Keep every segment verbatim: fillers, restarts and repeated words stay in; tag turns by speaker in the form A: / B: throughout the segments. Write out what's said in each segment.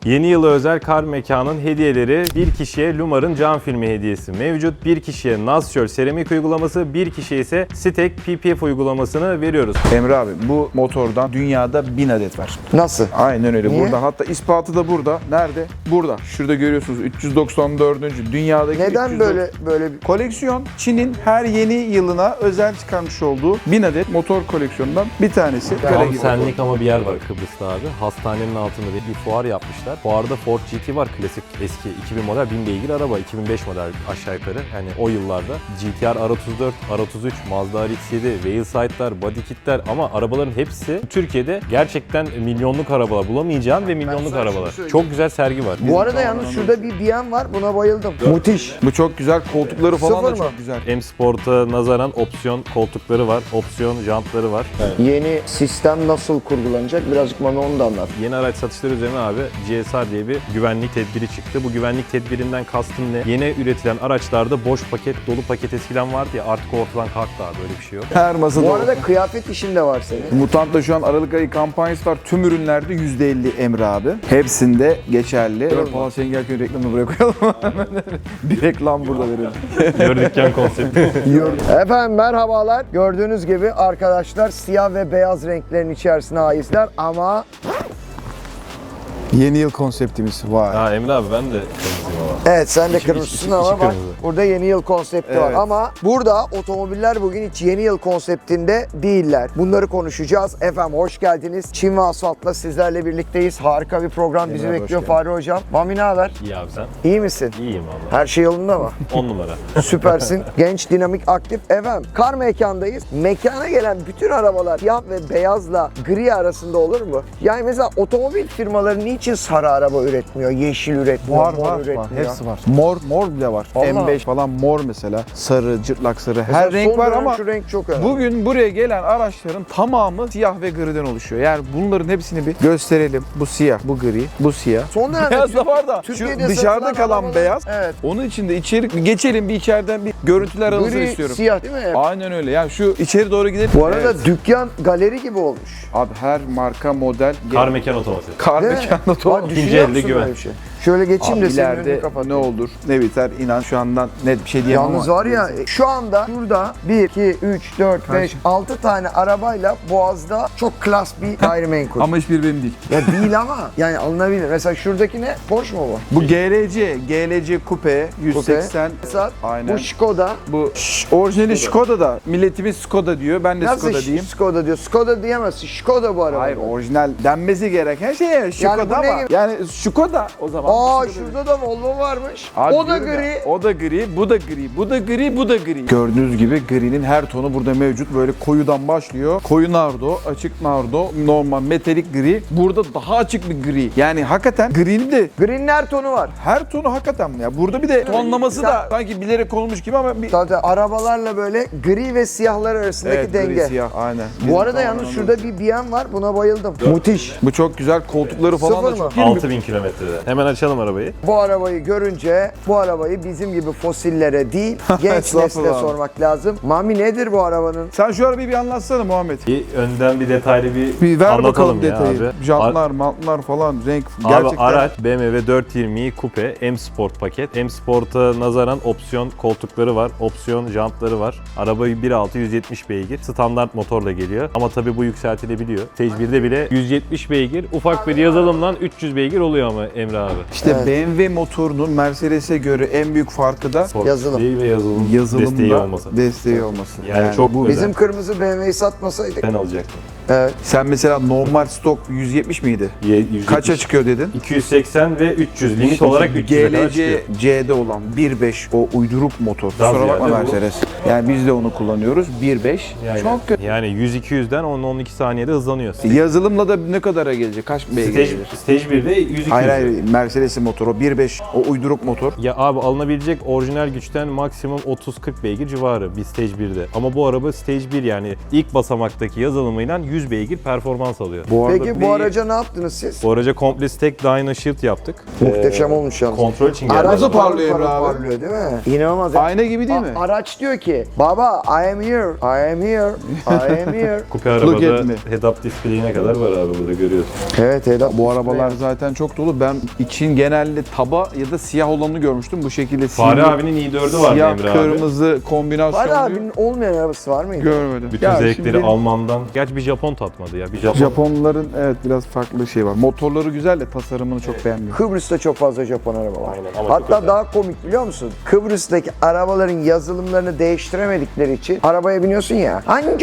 A: Yeni yıla özel Kar Mekan'ın hediyeleri: bir kişiye Lumar'ın cam filmi hediyesi mevcut. Bir kişiye Nasçöl seramik uygulaması, bir kişiye ise Stek P P F uygulamasını veriyoruz.
B: Emre abi, bu motordan dünyada bin adet var.
C: Nasıl?
B: Aynen öyle.
C: Niye?
B: Burada, hatta ispatı da burada. Nerede? Burada. Şurada görüyorsunuz, üç yüz doksan dördüncü dünyadaki
C: Neden
B: üç yüz
C: böyle böyle bir...
B: koleksiyon. Çin'in her yeni yılına özel çıkarmış olduğu bin adet motor koleksiyonundan bir tanesi. Kale
A: Tam
B: gibi.
A: senlik ama bir yer var Kıbrıs'ta abi. Hastanenin altında bir fuar yapmışlar. Fuarda Ford G T var, klasik eski iki bin model bin beygir araba, iki bin beş model aşağı yukarı. Yani o yıllarda G T R R otuz dört, R otuz üç, Mazda R X yedi, Wheelside'lar, body kitler, ama arabaların hepsi Türkiye'de gerçekten milyonluk arabalar, bulamayacağım ve milyonluk
C: sana şunu
A: arabalar.
C: söyleyeyim.
A: Çok güzel sergi var.
C: Bu arada yalnız şurada bir B M var, buna bayıldım. Müthiş.
B: Bu çok güzel. Koltukları falan
C: Sıfır
B: da
C: mı?
B: çok güzel.
A: M Sport'a nazaran opsiyon koltukları var, opsiyon jantları var.
C: Yeni sistem nasıl kurgulanacak? Birazcık bana onu da anlat.
A: Yeni araç satışları üzerine abi G S R diye bir güvenlik tedbiri çıktı. Bu güvenlik tedbirinden kastım ne? Yeni üretilen araçlarda boş paket, dolu paket eskiden vardı ya, artık ortadan kalktı abi, böyle bir şey yok.
B: Her masada
C: Bu
B: o.
C: arada kıyafet işin de var senin.
B: Mutant'ta şu an Aralık ayı kampanyası var. Tüm ürünlerde yüzde elli Emre abi. Hepsinde geçerli. Evet, Polat Şengelköy'ün reklamını buraya koyalım. Bir reklam burada verelim.
A: Gördükken konsepti.
C: Efendim merhabalar. Gördüğünüz gibi arkadaşlar siyah ve beyaz renklerin içerisine aitler ama
B: Yeni yıl konseptimiz var.
A: Ha Emre abi, ben de kırmızıyım ama.
C: evet sen de
A: İçi-
C: kırmızısın
A: içi-
C: ama
A: içi
C: bak
A: kırmızı.
C: burada yeni yıl konsepti var.
B: Evet.
C: Ama burada otomobiller bugün hiç yeni yıl konseptinde değiller. Bunları konuşacağız. Efendim hoş geldiniz. Çin ve Asfalt'la sizlerle birlikteyiz. Harika bir program bizi
B: Emre, hoş
C: bekliyor
B: geldin.
C: Fahri Hocam. Mami ne haber?
A: İyi abi, sen?
C: İyi misin?
A: İyiyim valla.
C: Her şey yolunda mı?
A: on numara.
C: Süpersin. Genç, dinamik, aktif. Efendim Kar Mekan'dayız. Mekana gelen bütün arabalar siyah ve beyazla gri arasında olur mu? Yani mesela otomobil firmaları niçin sarı araba üretmiyor, yeşil üretmiyor,
B: Var
C: mor
B: var
C: üretmiyor?
B: var. Hepsi var. Mor mor bile var.
C: Allah.
B: M beş falan mor mesela. Sarı, cırtlak sarı.
C: Mesela
B: Her renk
C: son
B: var
C: dönem
B: ama
C: şu renk çok önemli.
B: bugün buraya gelen araçların tamamı siyah ve griden oluşuyor. Yani bunların hepsini bir gösterelim. Bu siyah, bu gri, bu siyah.
C: Son dönemde
B: Beyaz da var da
C: Türkiye'de
B: şu dışarıda
C: satılan
B: kalan
C: arabalar-
B: beyaz.
C: Evet.
B: Onun içinde içeri bir geçelim, bir içeriden bir görüntüler alınsın
C: Gri,
B: istiyorum.
C: siyah değil mi?
B: Aynen öyle. Yani şu içeri doğru gidelim.
C: Bu arada
B: Evet.
C: dükkan galeri gibi olmuş.
B: Abi her marka model
A: Kar Mekan otomotiv.
B: kar
C: Değil mi?
B: mekanı
C: Bak,
B: doğru.
C: düşünüyor
A: İkinci elde
C: musun
A: güven.
C: böyle bir şey? Şöyle geçeyim
B: Abi
C: de senin önünü
B: ileride
C: kapatayım.
B: ne olur ne biter, inan şu andan net bir şey diyemem
C: Yalnız
B: ama.
C: var ya şu anda şurada bir, iki, üç, dört, beş, altı tane arabayla Boğaz'da çok klas bir gayrimenkul.
B: Ama hiçbir benim değil.
C: Ya değil ama yani alınabilir. Mesela şuradaki ne? Porsche mu bu?
B: Bu G L C, G L C Coupe yüz seksen.
C: Mesela
B: Aynen.
C: bu Skoda.
B: Bu Ş- orijinali Skoda da milletimiz Skoda diyor. Ben de
C: Nasıl
B: Skoda
C: Ş-
B: diyeyim.
C: Skoda diyor? Skoda diyemezsin. Skoda bu araba.
B: Hayır, orijinal denmesi gereken şey Skoda
C: bu ne
B: ama.
C: gibi?
B: Yani Skoda o zaman.
C: Aa
B: Skoda
C: şurada da Volvo varmış.
B: Abi
C: o da
B: diyorum ya,
C: gri.
B: o da gri, bu da gri, bu da gri, bu da gri. Gördüğünüz gibi gri'nin her tonu burada mevcut. Böyle koyudan başlıyor. Koyu nardo, açık nardo, normal metalik gri. Burada daha açık bir gri. Yani hakikaten gri'nin de
C: Gri'nin her tonu var.
B: her tonu hakikaten ya. Burada bir de tonlaması da sanki bilerek olmuş gibi ama bir
C: Zaten arabalarla böyle gri ve siyahlar arasındaki
B: evet,
C: denge.
B: gri siyah aynen.
C: Bu
B: Bizim
C: arada
B: tamamen
C: yalnız
B: o.
C: şurada bir B M var. Buna bayıldım. Müthiş.
B: Bu çok güzel, koltukları falan
C: Sıfır
B: da
C: mı?
B: çok iyi.
A: altı bin kilometrede. Hemen açalım arabayı.
C: Bu arabayı görünce bu arabayı bizim gibi fosillere değil genç nesle
B: Estağfurullah.
C: sormak lazım. Mami nedir bu arabanın?
B: Sen şu arabayı bir anlatsana Muhammed.
A: Bir önden bir detaylı bir,
B: Bir ver
A: anlatalım
B: bakalım
A: ya
B: detayı.
A: abi.
B: Jantlar, mantlar falan, renk
A: Abi
B: gerçekten.
A: araç B M W dört yüz yirmi Coupe M Sport paket. M Sport'a nazaran opsiyon koltukları var, opsiyon jantları var. Araba bir nokta altı yüz yetmiş beygir. Standart motorla geliyor. Ama tabii bu yükseltilebiliyor. Stage birde bile yüz yetmiş beygir. Ufak bir yazılımla üç yüz beygir oluyor ama Emre abi.
B: İşte
C: Evet.
B: B M W motorunun Mercedes'e göre en büyük farkı da
A: Sport
C: Yazılım.
A: değil ve yazılım
B: yazılımda
A: desteği olması.
B: desteği olması.
A: Yani çok
B: bu
A: özel.
C: Bizim kırmızı B M W'yi satmasaydık.
A: Ben alacaktım.
C: Evet.
B: Sen mesela normal stok yüz yetmiş miydi?
A: Ye- yüz yetmiş.
B: Kaça çıkıyor dedin?
A: iki yüz seksen ve üç yüz. Limit olarak üç yüze kadar
B: G L C
A: çıkıyor.
B: C'de olan bir nokta beş o uyduruk motor.
A: Daha
B: Kusura bakma
A: ziyade bu-
B: Mercedes. Yani biz de onu kullanıyoruz. bir nokta beş.
A: Yani,
B: Çok kötü.
A: yani yüz iki yüzden on on iki saniyede hızlanıyor.
B: Yazılımla da ne kadara gelecek? Kaç beygir
A: Stage,
B: gelir?
A: stage birde yüz iki yüz.
B: Hayır hayır meselesi motor. O bir beş o uyduruk motor.
A: Ya abi alınabilecek orijinal güçten maksimum otuz kırk beygir civarı bir Stage birde. Ama bu araba Stage bir yani ilk basamaktaki yazılımıyla yüz beygir performans alıyor.
B: Bu arada
C: Peki
B: bir-
C: bu araca ne yaptınız siz?
A: Bu araca komple stack Dyna Shield yaptık.
C: Muhteşem
A: Ee,
C: olmuş yalnız.
A: Kontrol için geldi.
C: Araç
B: Nasıl
C: parlıyor,
B: parlıyor Emre abi?
C: parlıyor değil mi? İnanılmaz. ya.
B: Ayna gibi değil
C: A-
B: mi?
C: Araç diyor ki, baba I am here, I am here, I am here.
A: Kupe
B: Look at
A: arabada
B: me.
A: head-up display'ine kadar var abi burada görüyorsun.
C: Evet Eda.
B: Bu arabalar zaten çok dolu. Ben için genelde taba ya da siyah olanını görmüştüm. Bu şekilde
A: Fahri
B: siyah,
A: abinin i dördü vardı
B: siyah
A: Emre abi.
B: kırmızı kombinasyonlu.
C: Var abinin olmayan arabası var mıydı?
B: Görmedim.
A: Bütün
B: Ya
A: zevkleri
B: şimdi
A: Alman'dan. Gerçi bir Japon tatmadı ya. Bir Japon.
B: Japonların evet biraz farklı şey var. Motorları güzel de tasarımını çok beğenmiyorum.
C: Kıbrıs'ta çok fazla Japon araba var.
A: Aynen, ama çok
C: Hatta
A: özel.
C: daha komik biliyor musun? Kıbrıs'taki arabaların yazılımlarını değiştiremedikleri için arabaya biniyorsun ya.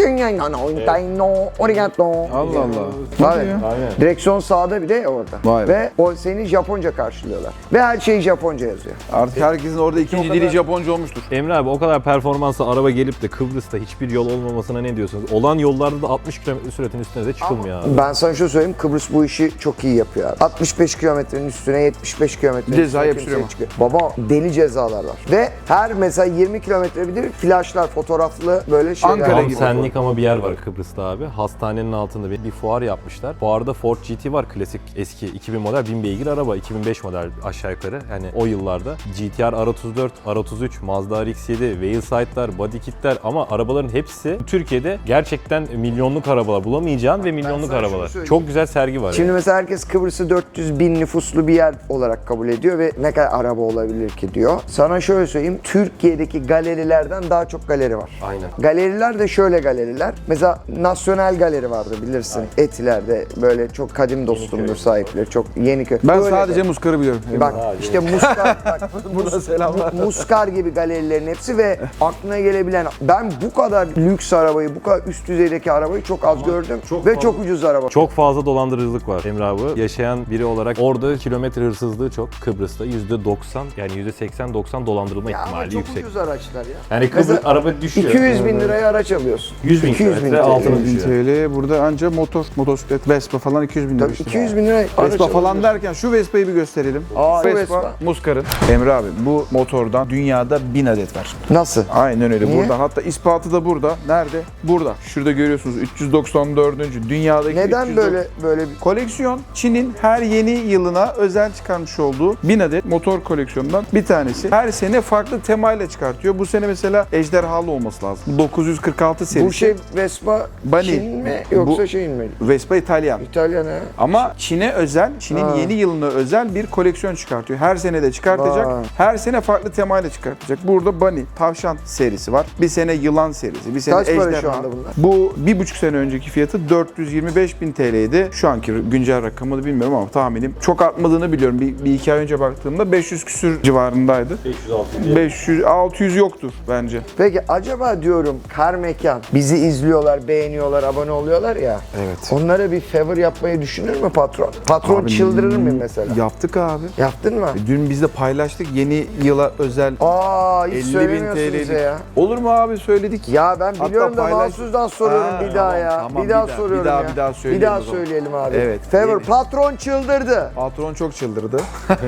B: Allah Allah.
C: Var
B: Hadi
C: ya.
B: ya.
A: Aynen.
C: Direksiyon sağda bir de orada.
B: Vay be.
C: Ve o seni Japonca karşılıyorlar. Ve her şeyi Japonca yazıyor.
B: Artık herkesin orada ikinci
A: o
B: dili
A: kadar-
B: Japonca olmuştur.
A: Emre abi o kadar performanslı araba gelip de Kıbrıs'ta hiçbir yol olmamasına ne diyorsunuz? Olan yollarda da altmış kilometre süratin üstüne de çıkılmıyor abi.
C: Ben sana şunu söyleyeyim, Kıbrıs bu işi çok iyi yapıyor abi. altmış beş kilometrenin üstüne yetmiş beş kilometrenin
B: Ceza
C: üstüne
B: yapıştırıyor
C: kimseye
B: mu?
C: çıkıyor. Baba deli cezalar var. Ve her mesela yirmi kilometre bir de flaşlar, fotoğraflı böyle şeyler.
B: Ankara
A: Tam
B: gibi.
A: senlik ama bir yer var Kıbrıs'ta abi. Hastanenin altında bir, bir fuar yapmışlar. Fuarda Ford G T var. Klasik eski iki bin model bin beygir araba. iki bin beş model aşağı yukarı. Yani o yıllarda. G T R R otuz dört, R otuz üç, Mazda R X yedi, Wheelside'lar, body kitler ama arabaların hepsi Türkiye'de gerçekten milyonluk arabalar. Bulamayacağın ve milyonluk
C: sana şunu
A: arabalar.
C: söyleyeyim.
A: Çok güzel sergi var.
C: Şimdi
A: yani.
C: mesela herkes Kıbrıs'ı dört yüz bin nüfuslu bir yer olarak kabul ediyor ve ne kadar araba olabilir ki diyor. Sana şöyle söyleyeyim, Türkiye'deki galerilerden daha çok galeri var.
A: Aynen.
C: Galeriler de şöyle galeriler. Mesela Nasyonel Galeri vardı bilirsin. Etiler'de böyle çok kadim dostumdur sahipleri. Çok Yeniköy.
B: Ben
C: Böyle
B: sadece
C: de-
B: Muskar'ı biliyorum.
C: Bak işte Muskar, bak,
B: Burada selamlar.
C: Mu- Muskar gibi galerilerin hepsi ve aklına gelebilen, ben bu kadar lüks arabayı, bu kadar üst düzeydeki arabayı çok az gördüm
A: çok
C: ve
A: fazla-
C: çok ucuz araba.
A: Çok fazla dolandırıcılık var Emre abi. Yaşayan biri olarak orada kilometre hırsızlığı çok. Kıbrıs'ta yüzde doksan yani yüzde seksen doksan dolandırılma
C: Ya ama
A: ihtimali
C: çok
A: yüksek.
C: ucuz araçlar ya.
A: Yani Kıbrıs
C: Mesela
A: araba düşüyor.
C: iki yüz bin liraya araç alıyorsun.
A: yüz bin
C: iki yüz bin
A: kilometre
C: T L.
A: altına
B: bin
A: düşüyor.
B: T L burada anca motor, motosiklet, Vespa falan iki yüz bin lira
C: Tabii
B: işte.
C: iki yüz bin liraya araç
B: Vespa falan
C: alıyorsun.
B: derken şu Vespa'yı bir gösterelim.
C: Aa,
B: Vespa,
C: Vespa.
B: Muskar'ın. Emre abi bu motordan dünyada bin adet var.
C: Nasıl?
B: Aynen öyle.
C: Niye?
B: Burada hatta ispatı da burada. Nerede? Burada. Şurada görüyorsunuz üç yüz doksan dördüncü dünyadaki
C: Neden
B: üç yüz doksan
C: böyle böyle bir
B: Koleksiyon Çin'in her yeni yılına özel çıkarmış olduğu bin adet motor koleksiyonundan bir tanesi. Her sene farklı temayla çıkartıyor. Bu sene mesela ejderhalı olması lazım. Bu dokuz yüz kırk altı serisi.
C: bu şey Vespa
B: Bunny.
C: Çin mi yoksa
B: Bu-
C: şeyin mi?
B: Vespa İtalyan.
C: İtalyan ha.
B: Ama Çin'e özel, Çin'in
C: Ha.
B: yeni yılına özel bir koleksiyon çıkartıyor. Her sene de çıkartacak.
C: Vay.
B: Her sene farklı temayla çıkartacak. Burada Bunny, tavşan serisi var. Bir sene yılan serisi, bir sene
C: Kaç para
B: ejderha.
C: şu anda bunlar?
B: Bu bir buçuk sene önceki fiyatı dört yüz yirmi beş bin T L'ydi. Şu anki güncel rakamını bilmiyorum ama tahminim çok artmadığını biliyorum. Bir, bir iki ay önce baktığımda beş yüz küsür civarındaydı.
A: beş yüz altı yüz.
B: beş yüz altı yüz yoktur bence.
C: Peki acaba diyorum Kar Mekan bizi izliyorlar, beğeniyorlar, abone oluyorlar ya.
B: Evet.
C: Onlara bir favor yapmayı düşünür mü patron? Patron
B: Abi,
C: çıldırır mı mesela?
B: Yaptık abi.
C: Yaptın mı?
B: Dün biz de paylaştık yeni yıla özel
C: Aa hiç
B: elli bin
C: söylemiyorsun
B: T L'lik.
C: bize ya.
B: Olur mu abi söyledik.
C: Ya ben
B: Hatta
C: biliyorum da
B: paylaş-
C: mahsusdan soruyorum
B: Ha,
C: bir daha
B: tamam,
C: ya.
B: tamam,
C: bir
B: bir
C: daha
B: daha, bir
C: soruyorum
B: daha,
C: ya.
B: bir daha söyleyelim
C: Bir daha
B: o zaman.
C: söyleyelim abi.
B: Evet,
C: Favor
B: yeni.
C: patron çıldırdı.
B: Patron çok çıldırdı.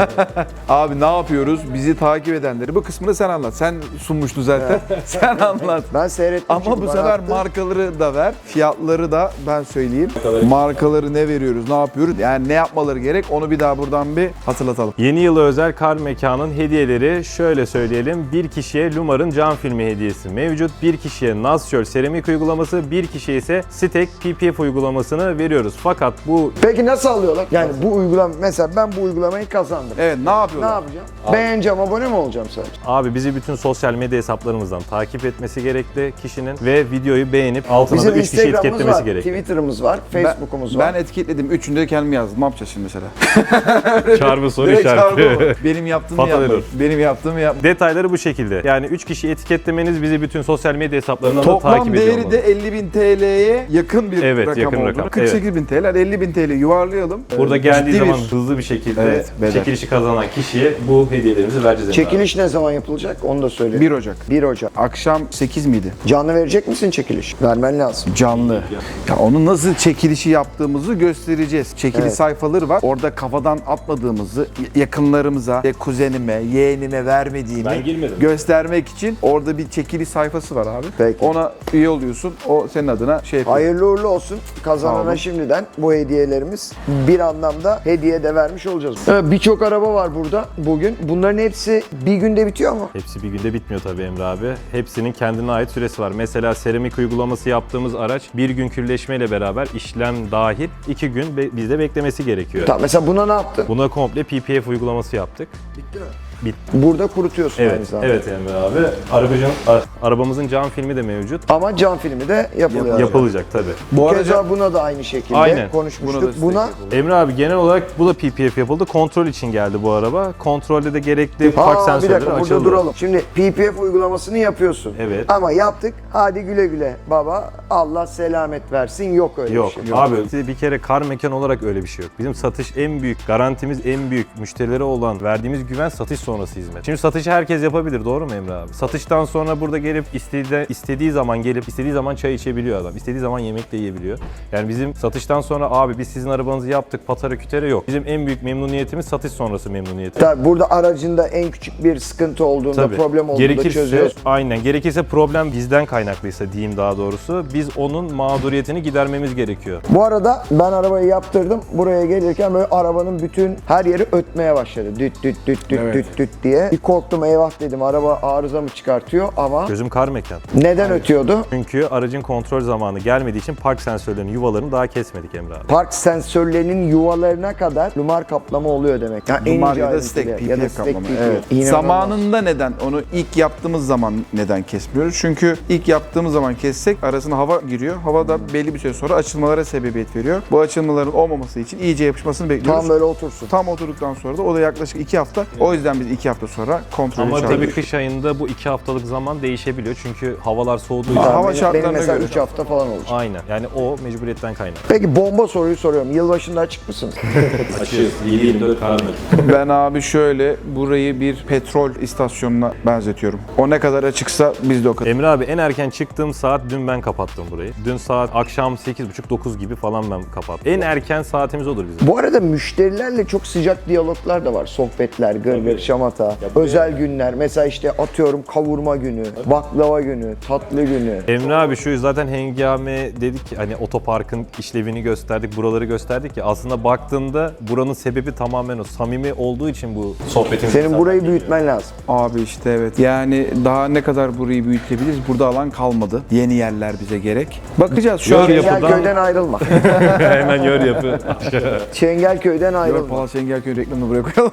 B: Abi ne yapıyoruz? Bizi takip edenleri. Bu kısmını sen anlat. Sen sunmuştun zaten. Sen anlat.
C: Ben seyrettim.
B: Ama
C: çünkü
B: bu
C: bana
B: sefer
C: attı.
B: markaları da ver. Fiyatları da ben söyleyeyim. Markaları ne veriyoruz, ne yapıyoruz? Yani ne yapmaları gerek onu bir daha buradan bir hatırlatalım.
A: Yeni yıla özel Kar Mekan'ın hediyeleri şöyle söyleyelim. Bir kişiye Lumar'ın cam filmi hediyesi mevcut. Bir kişiye Nazşöl seramik uygulaması, bir kişiye ise Stek P P F uygulamasını veriyoruz. Fakat bu
C: Peki nasıl alıyorlar? Yani bu uygulama mesela ben bu uygulamayı kazandım.
B: Evet ne
C: Ne
B: yapıyorlar?
C: yapacağım? Beğeneceğim, abone mi olacağım sadece?
A: abi bizi bütün sosyal medya hesaplarımızdan takip etmesi gerekli kişinin ve videoyu beğenip altına
C: Bizim
A: da üç kişi
C: Instagram'ımız
A: etiketlemesi
C: var,
A: gerekli.
C: Twitter'ımız var,
B: Ben-
C: Facebook'umuz
B: Ben
C: var.
B: etiketledim. Üçünde de kendimi yazdım. Ne yapacağız şimdi mesela?
A: Çarpı soru
B: Direkt çarpı
A: işareti.
B: mı? Benim yaptığımı
A: Fatal
B: yapmayın.
A: error.
B: Benim yaptığımı yapmayın.
A: Detayları bu şekilde. Yani üç kişi etiketlemeniz bizi bütün sosyal medya hesaplarından da
B: Toplam
A: takip ediyor
B: değeri
A: olmalı.
B: de elli bin T L'ye yakın bir
A: Evet,
B: rakam
A: yakın
B: oldu.
A: rakam.
B: kırk sekiz bin T L, elli bin T L yuvarlayalım.
A: Burada
B: Ee,
A: geldiği
B: ciddi
A: zaman
B: bir-
A: hızlı bir şekilde
B: Evet, bedel.
A: çekilişi kazanan kişiye bu hediyelerimizi vereceğiz. Emre abi.
C: Çekiliş ne zaman yapılacak? Onu da söyle.
B: bir Ocak.
C: bir Ocak.
B: Akşam sekiz miydi?
C: Canlı verecek misin çekiliş? Vermen lazım.
B: Canlı. Ya onun nasıl çekilişi yaptığımızı göstereceğiz. Çekili
C: Evet.
B: sayfaları var. Orada kafadan atmadığımız almadığımızı yakınlarımıza, e, kuzenime, yeğenime vermediğimi
A: Ben girmedim.
B: göstermek için orada bir çekiliş sayfası var abi.
C: Peki.
B: Ona üye oluyorsun. O senin adına şey yapıyor.
C: Hayırlı uğurlu olsun.
B: Sağ olun.
C: Kazanana şimdiden bu hediyelerimiz bir anlamda hediye de vermiş olacağız. Evet, birçok araba var burada bugün. Bunların hepsi bir günde bitiyor mu?
A: Hepsi bir günde bitmiyor tabii Emre abi. Hepsinin kendine ait süresi var. Mesela seramik uygulaması yaptığımız araç bir gün külleşmeyle beraber işlem dahil iki gün be- bizde beklemesi gerekiyor.
C: Tamam, mesela buna ne yaptın?
A: Buna komple P P F uygulaması yaptık.
C: Bitti mi?
A: Bitti.
C: Burada kurutuyorsun aynı
A: Evet,
C: zamanda.
A: evet Emre abi. Arabacın, a- arabamızın cam filmi de mevcut.
C: Ama cam filmi de yapılıyor.
A: Yapılacak tabii.
B: Bu arada
C: Keza buna da aynı şekilde
A: Aynen.
C: konuşmuştuk.
B: Buna da
C: Buna,
B: destek
A: Emre abi genel olarak bu da P P F yapıldı. Kontrol için geldi bu araba. Kontrolde de gerekli park
C: Aa, bir
A: sensörleri
C: dakika burada
A: açıldı.
C: duralım. Şimdi P P F uygulamasını yapıyorsun.
A: Evet.
C: Ama yaptık. Hadi güle güle baba. Allah selamet versin. Yok öyle
A: Yok
C: bir şey.
A: abi bir kere kar mekan olarak öyle bir şey yok. Bizim satış en büyük, garantimiz en büyük, müşterilere olan verdiğimiz güven satış sonrası hizmet. Şimdi satışı herkes yapabilir, doğru mu Emre abi? Satıştan sonra burada gelip istediği, istediği zaman gelip istediği zaman çay içebiliyor adam. İstediği zaman yemek de yiyebiliyor. Yani bizim satıştan sonra abi biz sizin arabanızı yaptık patara kütere yok. Bizim en büyük memnuniyetimiz satış sonrası memnuniyeti.
C: Tabii burada aracında en küçük bir sıkıntı olduğunda,
A: Tabii.
C: problem olduğunda
A: Gerekirse,
C: çözüyoruz.
A: aynen. Gerekirse problem bizden kaynaklıysa diyeyim daha doğrusu. Biz onun mağduriyetini gidermemiz gerekiyor.
C: Bu arada ben arabayı yaptırdım. Buraya gelirken böyle arabanın bütün her yeri ötmeye başladı. Düt düt düt düt
B: Evet.
C: düt düt diye. Bir korktum, eyvah dedim, araba arıza mı çıkartıyor, ama
A: Gözüm kar mekan.
C: neden ötüyordu?
A: Çünkü aracın kontrol zamanı gelmediği için park sensörlerinin yuvalarını daha kesmedik Emre abi.
C: Park sensörlerinin yuvalarına kadar lumar kaplama oluyor demek. Yani
B: Dumar
C: ince
B: ya da
C: ayrıntılı.
B: stack,
C: Ya
B: P
C: da
B: P F
C: stack
B: kaplama.
C: P P F.
B: Evet.
C: İnanılmaz.
B: Zamanında neden onu ilk yaptığımız zaman neden kesmiyoruz? Çünkü ilk yaptığımız zaman kessek arasına hava giriyor. Hava da belli bir süre sonra açılmalara sebebiyet veriyor. Bu açılmaların olmaması için iyice yapışmasını bekliyoruz.
C: Tam böyle otursun.
B: Tam oturduktan sonra da o da yaklaşık iki hafta. O yüzden biz iki hafta sonra kontrolü
A: Ama tabii
B: çağırıyoruz.
A: kış ayında bu iki haftalık zaman değişebiliyor. Çünkü havalar soğuduğu için.
B: Aa, hava
C: benim, benim
B: şartlarına
C: mesela
B: göre.
C: üç hafta falan olacak.
A: Aynen. Yani o mecburiyetten kaynak.
C: Peki bomba soruyu soruyorum. Yılbaşında açık mısınız?
A: Açıyoruz. yedi yirmi dört kar mekan.
B: Ben abi şöyle burayı bir petrol istasyonuna benzetiyorum. O ne kadar açıksa biz de o kadar.
A: Emre abi en erken çıktığım saat dün ben kapattım burayı. Dün saat akşam sekiz buçuk dokuz gibi falan ben kapattım. En erken saatimiz odur bizim.
C: Bu arada müşterilerle çok sıcak diyaloglar da var. Sohbetler, gırgır, şamata, özel günler. Mesela işte atıyorum kavurma günü, baklava günü, tatlı günü.
A: Emre abi şu zaten hengame dedik ki hani otoparkın işlevini gösterdik, buraları gösterdik ya aslında baktığında buranın sebebi tamamen o. Samimi olduğu için bu sohbetin.
C: Senin burayı büyütmen lazım.
B: Abi işte evet. Yani daha ne kadar burayı büyütebiliriz? Burada alan kalmadı. Yeni yerler bize gerek. Bakacağız şu an.
A: Gör yapıdan-
C: Çengelköy'den ayrılma.
A: Hemen yor yapı.
C: Çengelköy'den
B: Gör
C: ayrılma.
B: Palas Çengelköy reklamını buraya koyalım.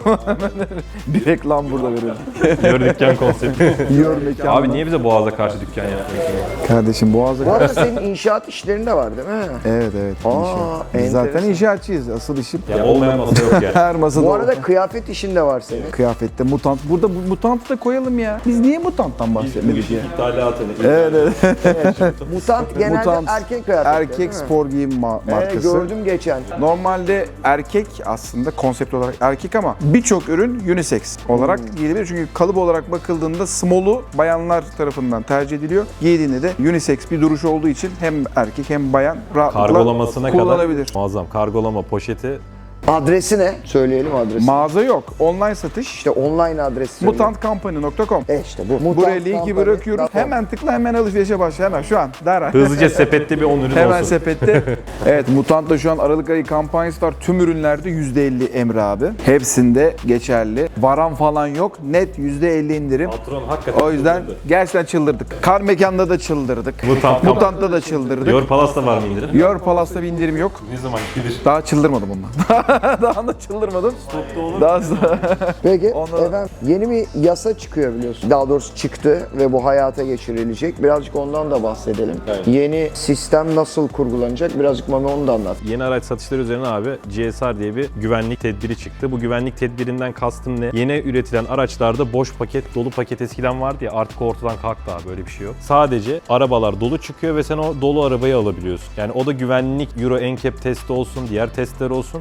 B: bir reklam burada verelim.
A: Yor dükkan konsepti.
B: Yor mekanı.
A: Abi niye bize Boğaz'a karşı dükkan yaptın?
B: Kardeşim Boğaz'a
C: Bu arada senin inşaat işlerin de var değil mi?
B: Evet evet.
C: Aa,
B: inşaat. Biz zaten
C: enteresan.
B: inşaatçıyız. Asıl işim.
A: Ya olmayan masa yok yani.
B: Her masada
C: Bu
B: o.
C: arada kıyafet işin de var senin.
B: Kıyafette mutant. Burada bu mutantı da koyalım ya. Biz niye mutanttan bahsetmedik ya?
A: İthalatını.
B: Evet evet.
C: Mutant genelde
B: Mutant,
C: erkek kıyafetleri
B: Erkek
C: değil mi?
B: spor giyim ma-
C: Ee,
B: markası.
C: gördüm geçen.
B: Normalde erkek aslında konsept olarak erkek ama birçok ürün unisex olarak
C: Hmm.
B: giyilebilir. Çünkü kalıp olarak bakıldığında small'u bayanlar tarafından tercih ediliyor. Giydiğinde de unisex bir duruş olduğu için hem erkek hem bayan rahatlıkla
A: Kargolamasına kadar
B: kullanabilir.
A: muazzam. Kargolama poşeti.
C: Adresi ne? Söyleyelim adresi.
B: Mağaza yok. Online satış.
C: işte online adresi söyle.
B: mutant company nokta com.
C: E işte bu. Mutant
B: Buraya linki
C: Company
B: bırakıyoruz.
C: nokta com.
B: Hemen tıkla, hemen alışverişe başla. Hemen şu an. Dara.
A: Hızlıca sepette bir on ürün
B: Hemen
A: olsun.
B: sepette. Evet, Mutant'ta şu an Aralık ayı kampanyası var. Tüm ürünlerde yüzde elli Emre abi. Hepsinde geçerli. Varan falan yok. Net yüzde elli indirim.
A: Patron hakikaten
B: O yüzden
A: çıldırdı.
B: gerçekten çıldırdık. Kar Mekanda da çıldırdık.
A: Mutant.
B: Mutant'ta da çıldırdık.
A: Yor Palas'ta var mı indirim?
B: Your Palas'ta bir indirim yok.
A: Ne zaman gelir?
B: Daha çıldırmadım ondan. Daha da çıldırmadım. Daha sonra...
C: Peki
B: Ondan-
C: efendim yeni bir yasa çıkıyor biliyorsun. Daha doğrusu çıktı ve bu hayata geçirilecek. Birazcık ondan da bahsedelim.
A: Evet.
C: Yeni sistem nasıl kurgulanacak? Birazcık Mami onu da anlat.
A: Yeni araç satışları üzerine abi G S R diye bir güvenlik tedbiri çıktı. Bu güvenlik tedbirinden kastım ne? Yeni üretilen araçlarda boş paket, dolu paket eskiden vardı ya artık ortadan kalktı abi, böyle bir şey yok. Sadece arabalar dolu çıkıyor ve sen o dolu arabayı alabiliyorsun. Yani o da güvenlik Euro N C A P testi olsun, diğer testler olsun. O testler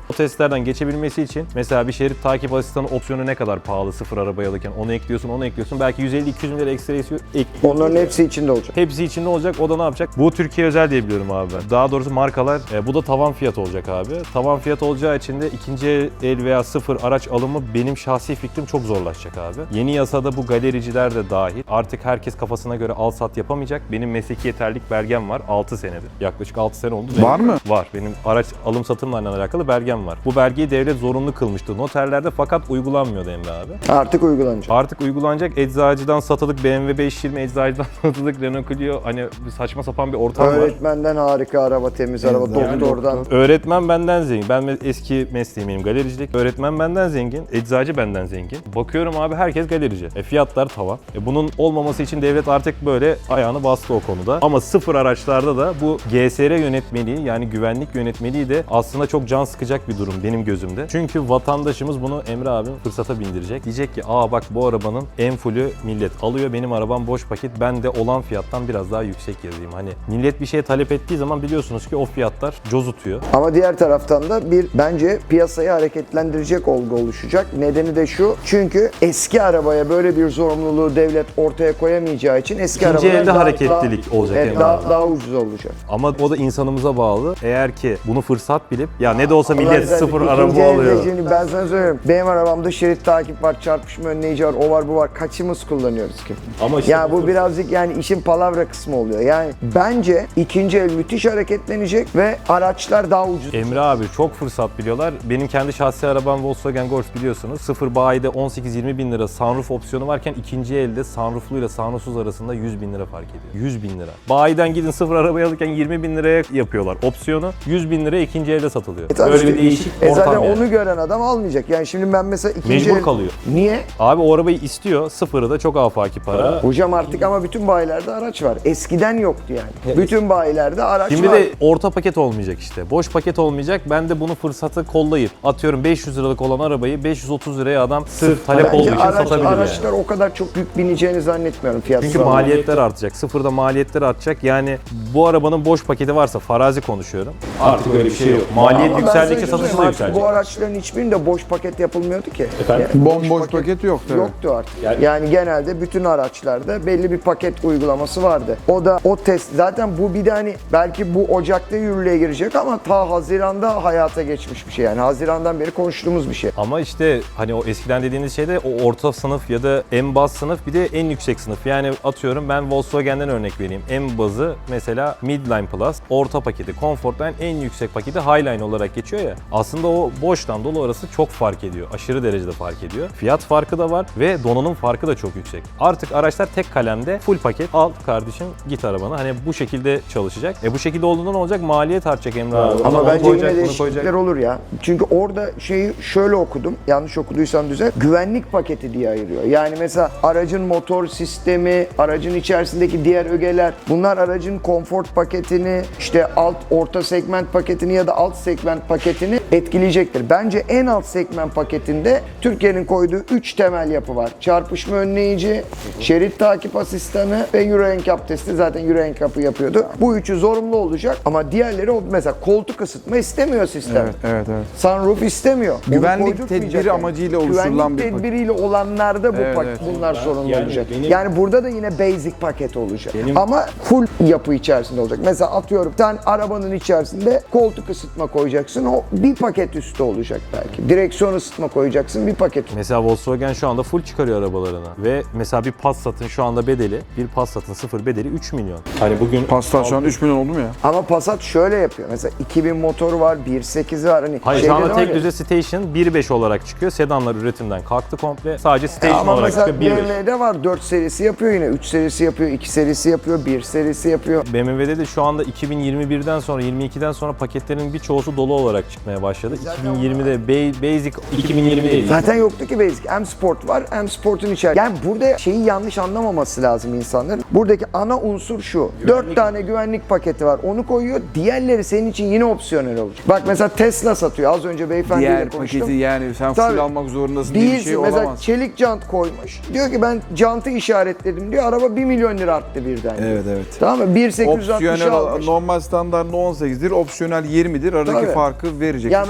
A: testlerden geçebilmesi için mesela bir şerit takip asistanı opsiyonu ne kadar pahalı sıfır arabayı alırken onu ekliyorsun, onu ekliyorsun. Belki yüz elli iki yüz bin lira ekstra ekliyorsun.
C: Onların hepsi içinde olacak.
A: Hepsi içinde olacak. O da ne yapacak? Bu Türkiye özel diye biliyorum abi ben. Daha doğrusu markalar. E, bu da tavan fiyat olacak abi. Tavan fiyat olacağı için de ikinci el veya sıfır araç alımı benim şahsi fikrim çok zorlaşacak abi. Yeni yasada bu galericiler de dahil. Artık herkes kafasına göre al sat yapamayacak. Benim mesleki yeterlilik belgem var. altı senedir. Yaklaşık altı sene oldu.
B: Var mı?
A: Var. Benim araç alım satımla alakalı belgem var. Bu belgeyi devlet zorunlu kılmıştı noterlerde fakat uygulanmıyordu Emre abi.
C: Artık uygulanacak.
A: Artık uygulanacak. Eczacıdan satılık B M W beş yüz yirmi, eczacıdan satılık Renault Clio, hani saçma sapan bir ortam var.
C: Öğretmenden harika araba, temiz araba,
B: Yani
C: doktordan.
A: Öğretmen benden zengin. Ben me- eski mesleğim benim galericilik. Öğretmen benden zengin, eczacı benden zengin. Bakıyorum abi herkes galerici. E fiyatlar tavan. E bunun olmaması için devlet artık böyle ayağını bastı o konuda. Ama sıfır araçlarda da bu G S R yönetmeliği, yani güvenlik yönetmeliği de aslında çok can sıkacak bir durum benim gözümde. Çünkü vatandaşımız bunu Emre abim fırsata bindirecek. Diyecek ki aa bak bu arabanın en fullü millet alıyor, benim arabam boş paket, ben de olan fiyattan biraz daha yüksek yazayım. Hani millet bir şey talep ettiği zaman biliyorsunuz ki o fiyatlar cozutuyor.
C: Ama diğer taraftan da bir bence piyasayı hareketlendirecek olgu oluşacak. Nedeni de şu. Çünkü eski arabaya böyle bir zorunluluğu devlet ortaya koyamayacağı için eski
A: İkinci
C: arabalar
A: elde
C: daha,
A: hareketlilik
C: daha,
A: olacak
C: evet,
A: Emre
C: daha,
A: abi.
C: daha ucuz olacak.
A: Ama o da insanımıza bağlı. Eğer ki bunu fırsat bilip ya ne de olsa
C: Allah
A: millet
C: güzel,
A: sıfır
C: ikinci
A: araba
C: elde
A: alıyor.
C: şimdi ben sana söylüyorum. Benim arabamda şerit takip var, çarpışma önleyici var, o var bu var. Kaçımız kullanıyoruz ki?
A: Ama işte
C: ya bu birazcık yani işin palavra kısmı oluyor. Yani bence ikinci el müthiş hareketlenecek ve araçlar daha ucuz.
A: Emre abi çok fırsat biliyorlar. Benim kendi şahsi arabam Volkswagen Golf biliyorsunuz. Sıfır bayide on sekiz yirmi bin lira sunroof opsiyonu varken ikinci elde sunroofluyla sunroofsuz arasında yüz bin lira fark ediyor. yüz bin lira. Bayiden gidin sıfır arabayı alırken yirmi bin liraya yapıyorlar opsiyonu. yüz bin liraya ikinci elde satılıyor.
C: E tabii
A: Böyle
C: işte-
A: bir değişik
C: E
A: ortam
C: zaten
A: yani.
C: onu gören adam almayacak. Yani şimdi ben mesela ikinci
A: Mecbur
C: el...
A: kalıyor.
C: Niye?
A: Abi o arabayı istiyor. Sıfırı da çok afaki para.
C: Hocam artık ama bütün bayilerde araç var. Eskiden yoktu yani. Bütün bayilerde araç
A: Şimdi
C: var.
A: de orta paket olmayacak işte. Boş paket olmayacak. Ben de bunu fırsatı kollayıp atıyorum beş yüz liralık olan arabayı beş yüz otuz liraya adam sırf talep
C: Bence
A: olduğu için
C: araç,
A: satabilir
C: araçlar
A: yani.
C: o kadar çok yük bineceğini zannetmiyorum fiyat
A: Çünkü
C: sıralaması.
A: maliyetler artacak. Sıfırda maliyetler artacak. Yani bu arabanın boş paketi varsa farazi konuşuyorum. Artık öyle bir şey yok. Maliyet
C: Ama ben
A: yükseldikçe
C: sana
A: satışı da
C: söyleyeyim,
A: yükselecek.
C: Bu araçların hiçbirinde boş paket yapılmıyordu ki.
A: Efendim?
C: Yani
B: Bomboş paket yok tabii.
C: Yoktu artık.
A: Yani-
C: Yani, genelde bütün araçlarda belli bir paket uygulaması vardı. O da o test. Zaten bu bir de hani belki bu Ocak'ta yürürlüğe girecek ama ta Haziran'da hayata geçmiş bir şey. Yani Haziran'dan beri konuştuğumuz bir şey.
A: Ama işte hani o eskiden dediğiniz şeyde o orta sınıf ya da en baz sınıf bir de en yüksek sınıf. Yani atıyorum ben Volkswagen'den örnek vereyim. En bazı mesela Midline Plus, orta paketi, Comfortline en yüksek paketi Highline olarak geçiyor ya. Aslında o boştan dolu arası çok fark ediyor. Aşırı derecede fark ediyor. Fiyat farkı da var ve donanım farkı da çok yüksek. Artık araçlar tek kalemde full paket al kardeşim git arabana. Hani bu şekilde çalışacak. E bu şekilde olduğunda ne olacak? Maliyet artacak Emre abi.
C: Ama
A: Onu
C: bence
A: koyacak,
C: yine
A: bunu
C: değişiklikler
A: koyacak.
C: olur ya. Çünkü orada şeyi şöyle okudum. Yanlış okuduysam düzelt. Güvenlik paketi diye ayırıyor. Yani mesela aracın motor sistemi, aracın içerisindeki diğer ögeler. Bunlar aracın konfort paketini, işte alt orta segment paketini ya da alt segment paketini etkileyecektir. Bence en alt segment paketinde Türkiye'nin koyduğu üç temel yapı var. Çarpışma önleyici, şerit takip asistanı ve Euro N C A P testi. Zaten Euro N C A P'ı yapıyordu. Bu üçü zorunlu olacak ama diğerleri o mesela koltuk ısıtma istemiyor sistem.
B: Evet, evet, evet.
C: Sunroof istemiyor. Onu
B: Güvenlik
C: koydurtmayacak
B: tedbiri amacıyla oluşturulan bir
C: Güvenlik
B: paket.
C: tedbiriyle olanlarda bu
B: Evet,
C: pak-
B: evet.
C: bunlar sorunlu
A: Yani
C: olacak.
A: benim-
C: Yani burada da yine basic paket olacak.
A: Benim-
C: Ama full yapı içerisinde olacak. Mesela atıyorum sen arabanın içerisinde koltuk ısıtma koyacaksın. O bir paket üstü olacak belki. Direksiyon ısıtma koyacaksın bir paket.
A: Mesela Volkswagen şu anda full çıkarıyor arabalarına ve mesela bir Passat'ın şu anda bedeli, bir Passat'ın sıfır bedeli üç milyon. Hani bugün
B: Passat şu an üç milyon oldu mu ya?
C: Ama Passat şöyle yapıyor. Mesela iki bin motoru var, bir nokta sekizi var. Hani
A: Hayır şu
C: şeyde
A: anda
C: de var
A: tek
C: ya-
A: düze Station bir nokta beş olarak çıkıyor. Sedanlar üretimden kalktı komple. Sadece Station
C: Ama
A: olarak
C: mesela
A: çıkıyor bir
C: B
A: nokta
C: M
A: beş.
C: W'de var dört serisi yapıyor yine. üç serisi yapıyor, iki serisi yapıyor, bir serisi yapıyor.
A: B M W'de de şu anda iki bin yirmi birden sonra, yirmi ikiden sonra paketlerin birçoğusu dolu olarak çıkmaya başladı. iki bin yirmide ba- Basic iki bin yirmi değil.
C: Zaten yoktu ki Basic. M Sport var, M Sport'un içerisinde. Yani burada şeyi yanlış anlamaması lazım insanların. Buradaki ana unsur şu. Dört tane güvenlik paketi var. Onu koyuyor. Diğerleri senin için yine opsiyonel olacak. Bak mesela Tesla satıyor. Az önce beyefendiyle
B: Diğer
C: konuştum.
B: paketi yani sen
C: Tabii.
B: full almak zorundasın diye bir
C: Değilsin.
B: şey
C: Mesela
B: olamaz.
C: çelik jant koymuş. Diyor ki ben jantı işaretledim diyor. Araba bir milyon lira arttı birden.
B: Evet, evet.
C: Tamam mı? bir bin sekiz yüz altmış
B: Opsiyonel
C: almış.
B: normal standart on sekizdir, opsiyonel yirmidir. Aradaki
C: Tabii.
B: farkı verecek.
C: Ya
B: bir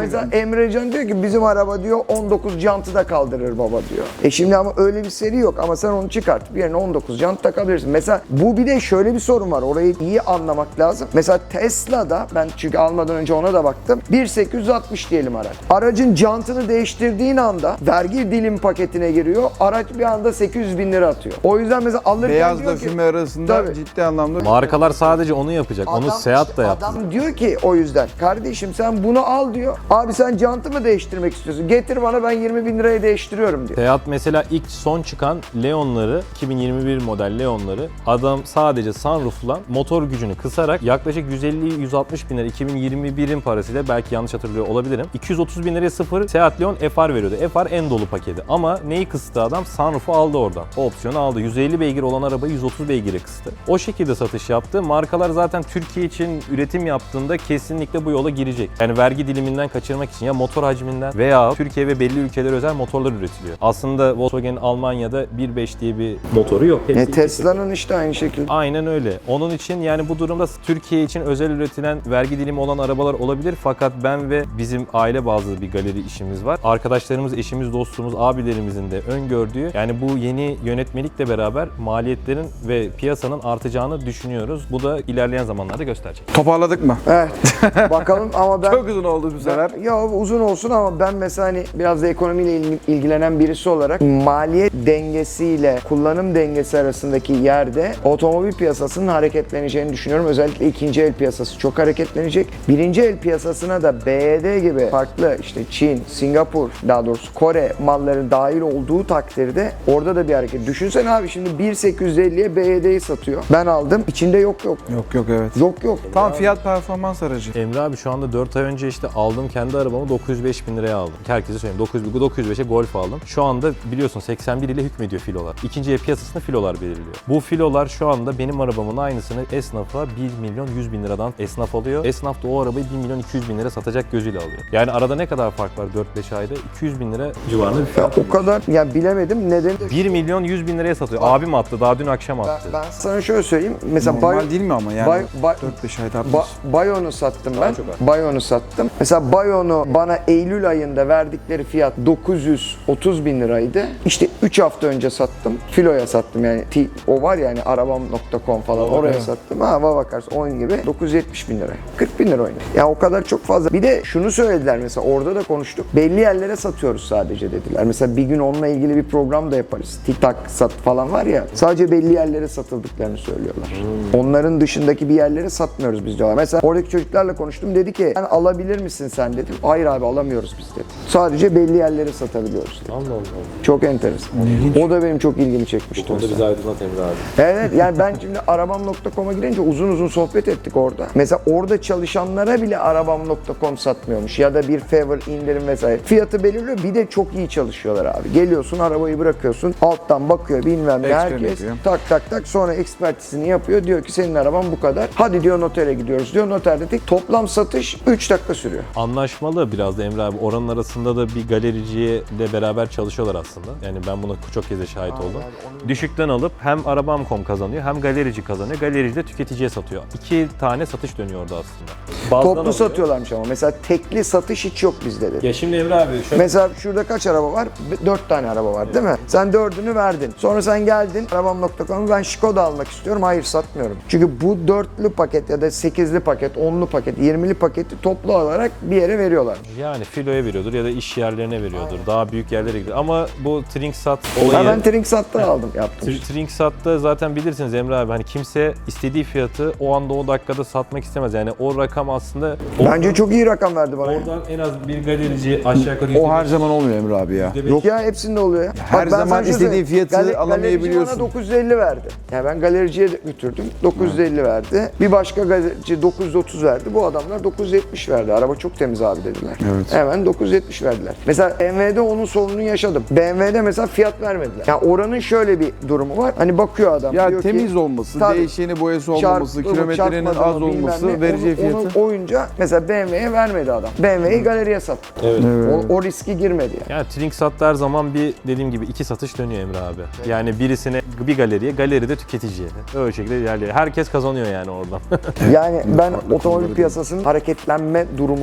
C: mesela Emrecan diyor ki bizim araba diyor on dokuz jantı da kaldırır baba diyor. E şimdi ama öyle bir seri yok ama sen onu çıkartıp yerine on dokuz jant takabilirsin. Mesela bu bir de şöyle bir sorun var. Orayı iyi anlamak lazım. Mesela Tesla'da ben çünkü almadan önce ona da baktım. bin sekiz yüz altmış diyelim araç. Aracın jantını değiştirdiğin anda vergi dilim paketine giriyor. Araç bir anda sekiz yüz bin lira atıyor. O yüzden mesela alırken
B: Beyazla
C: diyor ki
B: füme arasında
C: Tabii.
B: ciddi anlamda
A: Markalar sadece onu yapacak. Onu Seat da yaptı.
C: Adam diyor ki o yüzden kardeşim sen bunu al diyor. Abi sen jantı mı değiştirmek istiyorsun? Getir bana ben yirmi bin liraya değiştiriyorum diyor.
A: Seat mesela ilk son çıkan Leon'ları, iki bin yirmi bir model Leon'ları adam sadece sunroof'la motor gücünü kısarak yaklaşık yüz elli yüz altmış bin lira iki bin yirmi birin parasıyla belki yanlış hatırlıyor olabilirim. iki yüz otuz bin liraya sıfır Seat Leon F R veriyordu. F R en dolu paketi. Ama neyi kıstı adam? Sunroof'u aldı oradan. O opsiyonu aldı. yüz elli beygir olan arabayı yüz otuz beygire kıstı. O şekilde satış yaptı. Markalar zaten Türkiye için üretim yaptığında kesinlikle bu yola girecek. Yani vergi diliminden kaçırmak için ya motor hacminden veya Türkiye ve belli ülkelere özel motorlar üretiliyor. Aslında Volkswagen Almanya'da bir nokta beş diye bir motoru yok.
C: E,
A: Hepsi
C: Tesla'nın işte aynı şekilde.
A: Aynen öyle. Onun için yani bu durumda Türkiye için özel üretilen vergi dilimi olan arabalar olabilir. Fakat ben ve bizim aile bazlı bir galeri işimiz var. Arkadaşlarımız, eşimiz, dostumuz, abilerimizin de öngördüğü yani bu yeni yönetmelikle beraber maliyetlerin ve piyasanın artacağını düşünüyoruz. Bu da ilerleyen zamanlarda gösterecek.
B: toparladık mı?
C: Evet. Bakalım ama ben...
B: Çok uzun oldu bu sefer.
C: Ben- ya uzun olsun ama ben mesela hani biraz da ekonomiyle il- ilgilenen birisi olarak maliyet dengesiyle kullanım dengesi arasındaki yerde otomobil piyasasının hareketleneceğini düşünüyorum. Özellikle ikinci el piyasası çok hareketlenecek. Birinci el piyasasına da B Y D gibi farklı işte Çin, Singapur, daha doğrusu Kore malları dahil olduğu takdirde orada da bir hareket. Düşünsene abi şimdi bin sekiz yüz elliye B Y D'yi satıyor. Ben aldım. İçinde yok yok.
B: Yok yok evet.
C: Yok yok.
B: Tam fiyat performans aracı.
A: Emre abi şu anda dört ay önce işte aldım kendi arabamı dokuz yüz beş bin liraya aldım. Herkese söyleyeyim dokuz yüz, dokuz yüz beşe Golf aldım. Şu anda biliyorsun seksen bir ile hükmediyor filolar. İkinci el piyasasında filolar belirliyor. Bu filolar şu anda benim arabamın aynısını esnafa bir milyon yüz bin liradan esnaf alıyor. Esnaf da o arabayı bir milyon iki yüz bin lira satacak gözüyle alıyor. Yani arada ne kadar fark var dört beş ayda? iki yüz bin lira civarında bir
C: Ya
A: fiyat.
C: o kadar yani bilemedim. Neden?
A: bir milyon yüz bin liraya satıyor. Abim attı. Daha dün akşam
C: Ben,
A: attı.
C: ben sana şöyle söyleyeyim. Mesela
B: Normal
C: Bay-
B: değil mi ama yani?
C: Bay- Bay-
B: dört beş ayda
C: Ba- Bayon'u sattım ben.
A: çok az.
C: Bayon'u sattım. Mesela Bayon'u bana Eylül ayında verdikleri fiyat dokuz yüz otuz bin liraydı. İşte üç hafta önce sattım. Filo'ya sattım yani. T- o var ya hani arabam nokta com falan oraya sattım. Ha bakarsın on gibi dokuz yüz yetmiş bin lira. kırk bin lira oynuyor. Ya o kadar çok fazla. Bir de şunu söylediler mesela orada da konuştuk. Belli yerlere satıyoruz sadece dediler. Mesela bir gün onunla ilgili bir program da yaparız. TikTok sat falan var ya. Sadece belli yerlere satıldıklarını söylüyorlar. Onların dışındaki bir yerlere satmıyoruz biz diyorlar. Mesela oradaki çocuklarla konuştum. Dedi ki sen alabilir misin sen dedim. Hayır abi alamıyoruz biz dedi. Sadece belli yerlere satabiliyoruz dedi.
A: Allah Allah.
C: Çok enteresan. O da benim çok ilgimi çekmişti. mesela.
A: bizi aydınlat Emre abi.
C: Evet yani ben şimdi arabam nokta com'a girince uzun uzun sohbet ettik orada. Mesela orada çalışanlara bile arabam nokta com satmıyormuş ya da bir favor indirim vesaire. Fiyatı belirliyor bir de çok iyi çalışıyorlar abi. Geliyorsun arabayı bırakıyorsun alttan bakıyor bilmem ne
B: Ekstra
C: herkes
B: yapıyor.
C: tak tak tak sonra ekspertizini yapıyor diyor ki senin araban bu kadar. Hadi diyor notere gidiyoruz diyor noterde tek toplam satış üç dakika sürüyor.
A: Anlaşmalı biraz da Emre abi. Oranın arasında da bir galericiyle beraber çalışıyorlar aslında. Yani ben buna çok kez de şahit oldum. Düşükten alıp hem arabam nokta com kazanıyor hem galerici kazanıyor. Galerici de tüketiciye satıyor. İki tane satış dönüyor orada aslında. Bazıdan
C: Toplu
A: alıyor.
C: satıyorlarmış ama mesela tekli satış hiç yok bizde dedi.
A: Ya şimdi Emre abi şöyle
C: Mesela şurada kaç araba var? Dört tane araba var değil mi? Sen dördünü verdin. Sonra sen geldin arabam nokta com'u ben Skoda almak istiyorum. Hayır satmıyorum. Çünkü bu dörtlü paket ya da sekizli paket, onlu paket, yirmili paketi toplu olarak bir yere veriyorlar.
A: yani filoya veriyordur ya da iş yerlerine veriyordur. Daha büyük yerlere gidiyor. Ama bu Trinksat
C: Ha,
A: olayı...
C: ben Trinksat'tan aldım yaptım.
A: Tr- Trinksat'ta zaten bilirsiniz Emre abi hani kimse istediği fiyatı o anda o dakikada satmak istemez. Yani o rakam aslında
C: Bence çok iyi rakam verdi bana.
A: oradan en az bir galerici aşağı yukarı
B: O her zaman olmuyor Emre abi ya.
C: Yok ya hepsinde oluyor ya.
B: her
C: ben
B: zaman
C: sana şunu
B: istediğin
C: söyleyeyim.
B: fiyatı
C: Galeri-
B: alamayabiliyorsun.
C: Galerici bana dokuz yüz elli verdi. Yani ben galericiye de götürdüm. dokuz yüz elli verdi. Bir başka galerici dokuz yüz otuz verdi. Bu adamlar dokuz yüz yetmiş verdi. Araba çok temiz abi dediler.
B: Evet.
C: Hemen dokuz yüz yetmiş verdiler. Mesela B M W'de onun sorununu yaşadım. B M W'de mesela fiyat vermediler. Yani oranın şöyle bir durumu var. Hani bakıyor adam.
B: Ya
C: diyor ki,
B: temiz olması,
C: tabii,
B: değişeni boyası olmaması,
C: çarptı mı,
B: kilometrenin
C: çarpmadı
B: az
C: mı, bilmem
B: olması,
C: ne.
B: vereceği
C: Onu-
B: fiyatı.
C: Onun oyunca mesela B M W'ye vermedi adam. B M W'yi galeriye sattı.
A: Evet.
C: O, o riski girmedi yani.
A: Yani Trinksat'ta her zaman bir dediğim gibi iki satış dönüyor Emre abi. Yani birisine bir galeriye, galeride tüketiciye. Öyle şekilde ilerliyor. Herkes kazanıyor yani oradan.
C: Yani ben
B: farklı
C: otomobil
B: konuları
C: piyasasının hareketlenme durumunun olabileceğini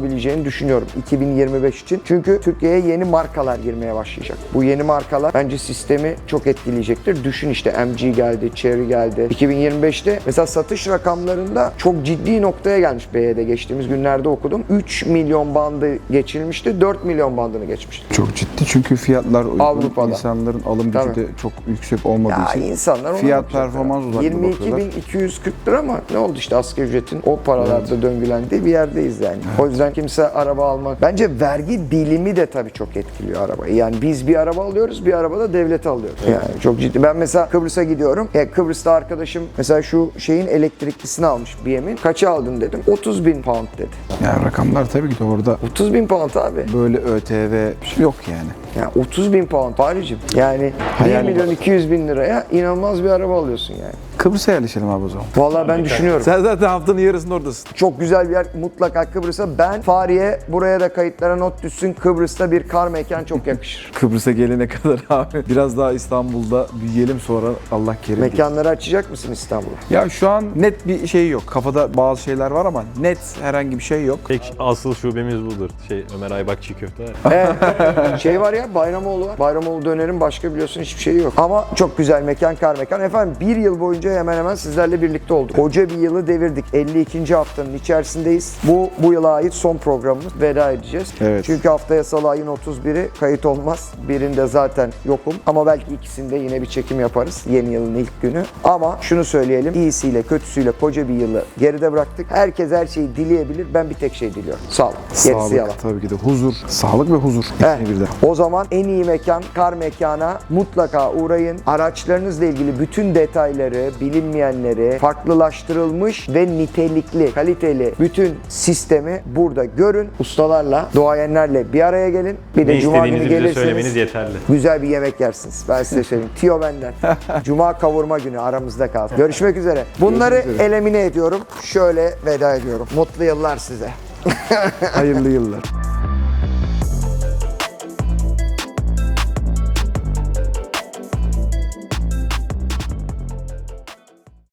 C: olabileceğini düşünüyorum iki bin yirmi beş için. Çünkü Türkiye'ye yeni markalar girmeye başlayacak. Bu yeni markalar bence sistemi çok etkileyecektir. Düşün işte M G geldi, Chery geldi. iki bin yirmi beşte mesela satış rakamlarında çok ciddi noktaya gelmiş B Y'de geçtiğimiz günlerde okudum. üç milyon bandı geçilmişti, dört milyon bandını geçmişti.
B: Çok ciddi çünkü fiyatlar uygun,
C: Avrupa'da.
B: insanların alım gücü
C: Tabii.
B: de çok yüksek olmadığı
C: Ya
B: için
C: insanlar ona
B: fiyat
C: bakacaklar.
B: performans odaklı
C: yirmi iki
B: bakıyorlar.
C: bin iki yüz kırk lira ama ne oldu işte asgari ücretin o paralarda döngülendiği bir yerdeyiz yani. O yüzden kimse araba almak. Bence vergi dilimi de tabii çok etkiliyor arabayı. Yani biz bir araba alıyoruz, bir araba da devlete alıyoruz. Yani çok ciddi. Ben mesela Kıbrıs'a gidiyorum. Ya Kıbrıs'ta arkadaşım mesela şu şeyin elektriklisini almış B M'in. Kaça aldın dedim. otuz bin pound dedi.
B: Yani rakamlar tabii ki de orada
C: otuz bin pound abi.
B: böyle ÖTV yok yani.
C: Yani otuz bin pound Paris'cim. Yani bir
B: Hayal
C: milyon iki yüz bin liraya inanılmaz bir araba alıyorsun yani.
B: Kıbrıs'a yerleşelim abi o zaman.
C: Vallahi ben düşünüyorum.
B: Sen zaten haftanın yarısında oradasın.
C: Çok güzel bir yer mutlaka Kıbrıs'a. Ben Fahriye buraya da kayıtlara not düşsün. Kıbrıs'ta bir kar mekan çok yakışır.
B: Kıbrıs'a gelene kadar abi biraz daha İstanbul'da büyüyelim sonra Allah kerim.
C: Mekanları açacak mısın İstanbul'a?
B: Ya şu an net bir şey yok. Kafada bazı şeyler var ama net herhangi bir şey yok.
A: Tek asıl şubemiz budur. Şey Ömer Aybak çiğ köfte var.
C: Ee, şey var ya Bayramoğlu var. Bayramoğlu dönerin başka biliyorsun hiçbir şeyi yok. Ama çok güzel mekan, kar mekan. Efendim bir yıl boyunca hemen hemen sizlerle birlikte olduk. Koca bir yılı devirdik. elli ikinci haftanın içerisindeyiz. Bu bu yıla ait son programımız. Veda edeceğiz.
B: Evet.
C: Çünkü haftaya salı ayın otuz biri kayıt olmaz. Birinde zaten yokum. Ama belki ikisinde yine bir çekim yaparız. Yeni yılın ilk günü. Ama şunu söyleyelim. İyisiyle kötüsüyle koca bir yılı geride bıraktık. Herkes her şeyi dileyebilir. Ben bir tek şey diliyorum. Sağlık. Gerisi yalan.
B: Sağlık tabii ki de huzur. Sağlık ve huzur.
C: Heh,
B: İkisini birden.
C: o zaman en iyi mekan kar mekana mutlaka uğrayın. Araçlarınızla ilgili bütün detayları, bilinmeyenleri, farklılaştırılmış ve nitelikli, kaliteli bütün sistemi burada görün. Ustalarla, duayenlerle bir araya gelin. Bir de
A: Ne
C: cuma günü
A: istediğinizi bize
C: gelirseniz
A: söylemeniz yeterli.
C: güzel bir yemek yersiniz. Ben size söyleyeyim. Tiyo benden. Cuma kavurma günü aramızda kalsın. Görüşmek üzere. Bunları
B: Görüşmek üzere.
C: elemine ediyorum. Şöyle veda ediyorum. Mutlu yıllar size.
B: Hayırlı yıllar.